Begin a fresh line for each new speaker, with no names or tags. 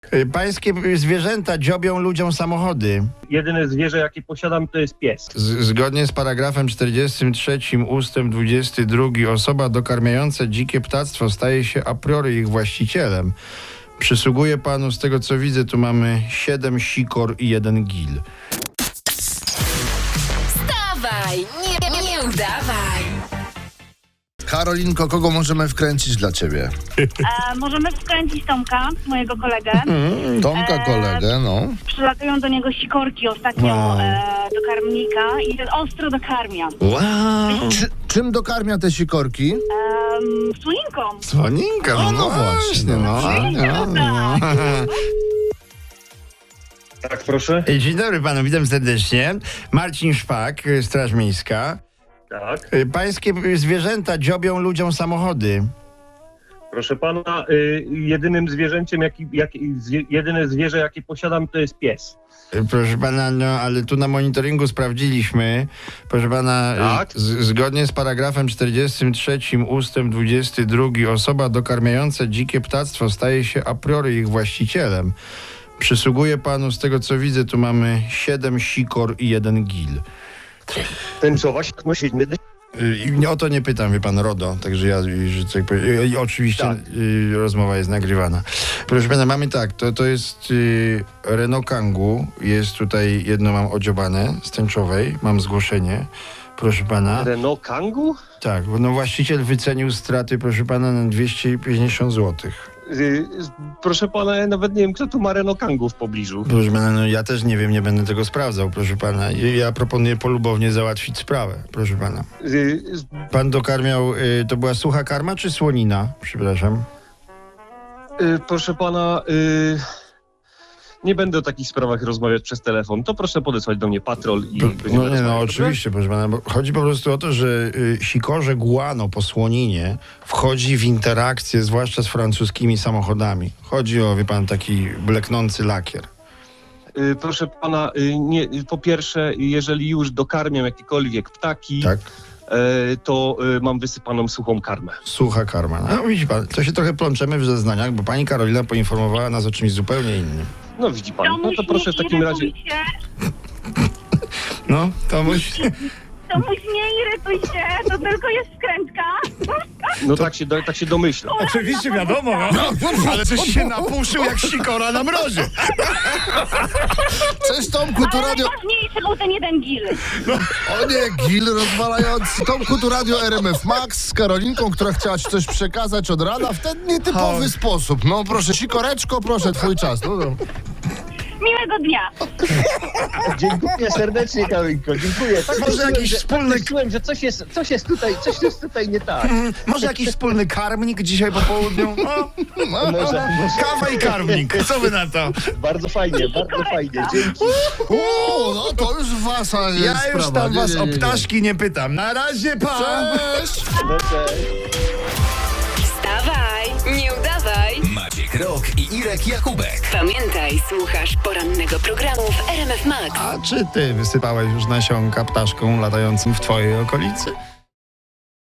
Pańskie zwierzęta dziobią ludziom samochody.
Jedyne zwierzę, jakie posiadam, to jest pies.
Zgodnie z paragrafem 43 ustęp 22 osoba dokarmiająca dzikie ptactwo staje się a priori ich właścicielem. Przysługuje panu, z tego co widzę, tu mamy 7 sikor i 1 gil.
Wstawaj, nie udawaj.
Karolinko, kogo możemy wkręcić dla ciebie?
Możemy wkręcić Tomka, mojego kolegę.
Tomka, kolegę, no.
Przylatują do niego sikorki ostatnio do karmnika i ostro dokarmia.
Wow!
Czym dokarmia te sikorki?
Słoninką.
Słoninka, no właśnie, no.
Tak, proszę?
Dzień dobry panu, witam serdecznie. Marcin Szpak, Straż Miejska.
Tak.
Pańskie zwierzęta dziobią ludziom samochody.
Proszę pana, jedynym zwierzęciem, jedyne zwierzę, jakie posiadam, to jest pies.
Proszę pana, no ale tu na monitoringu sprawdziliśmy. Proszę pana,
Tak?
zgodnie z paragrafem 43 ustęp 22 osoba dokarmiająca dzikie ptactwo staje się a priori ich właścicielem. Przysługuje panu, z tego co widzę, tu mamy 7 sikor i 1 gil.
Tęczować nosimy.
I o to nie pytam, wie pan, RODO, także ja, że tak powiem, i oczywiście
Tak.
Rozmowa jest nagrywana. Proszę pana, mamy tak, to jest Renault Kangoo, jest tutaj jedno mam odziobane z tęczowej, mam zgłoszenie, proszę pana.
Renault Kangoo?
Tak, no właściciel wycenił straty, proszę pana, na 250 zł.
Proszę pana, ja nawet nie wiem, kto tu ma Renault Kangoo w pobliżu.
Proszę pana, no ja też nie wiem, nie będę tego sprawdzał, proszę pana. Ja proponuję polubownie załatwić sprawę, proszę pana. Pan dokarmiał, to była sucha karma czy słonina? Przepraszam.
Proszę pana, nie będę o takich sprawach rozmawiać przez telefon. To proszę podesłać do mnie patrol i będziemy
No nie,
rozmawiać,
no
dobrze?
oczywiście, proszę pana, bo chodzi po prostu o to, że sikorze guano po słoninie wchodzi w interakcję, zwłaszcza z francuskimi samochodami. Chodzi o, wie pan, taki bleknący lakier.
Proszę pana, nie, po pierwsze, jeżeli już dokarmiam jakiekolwiek ptaki,
Tak?
to mam wysypaną suchą karmę.
Sucha karma. No widzi pan, to się trochę plączemy w zeznaniach, bo pani Karolina poinformowała nas o czymś zupełnie innym.
No widzi pan, no to proszę w takim razie...
No, to musi...
Tomuś, nie irytuj się, to tylko jest wkrętka.
No tak się domyślam.
Oczywiście wiadomo, ale coś się napuszył jak sikora na mrozie.
Cześć Tomku, tu
Ale
radio...
najważniejszy był ten jeden gil.
O nie, gil rozwalający. Tomku, tu radio RMF Max z Karolinką, która chciała ci coś przekazać od rana w ten nietypowy sposób. No proszę, sikoreczko, proszę, twój czas. No.
Miłego dnia.
Dziękuję serdecznie, Karolinko, dziękuję. Tak
Może
czułem,
jakiś
że,
wspólny-
tak czułem, że coś jest tutaj nie tak.
Może jakiś wspólny karmnik dzisiaj po południu? No,
Może.
kawa i karmnik, co wy na to?
Bardzo fajnie, dzięki.
O, no to już wasza jest
Ja już
sprawa.
tam was
Nie.
o ptaszki nie pytam. Na razie, pa!
Cześć!
No, cześć.
Wstawaj, nie udawaj.
Maciek Rok i Irek Jakubek.
Pamiętaj, słuchasz porannego programu w RMF Max.
A czy ty wysypałeś już nasionka ptaszkom latającym w twojej okolicy?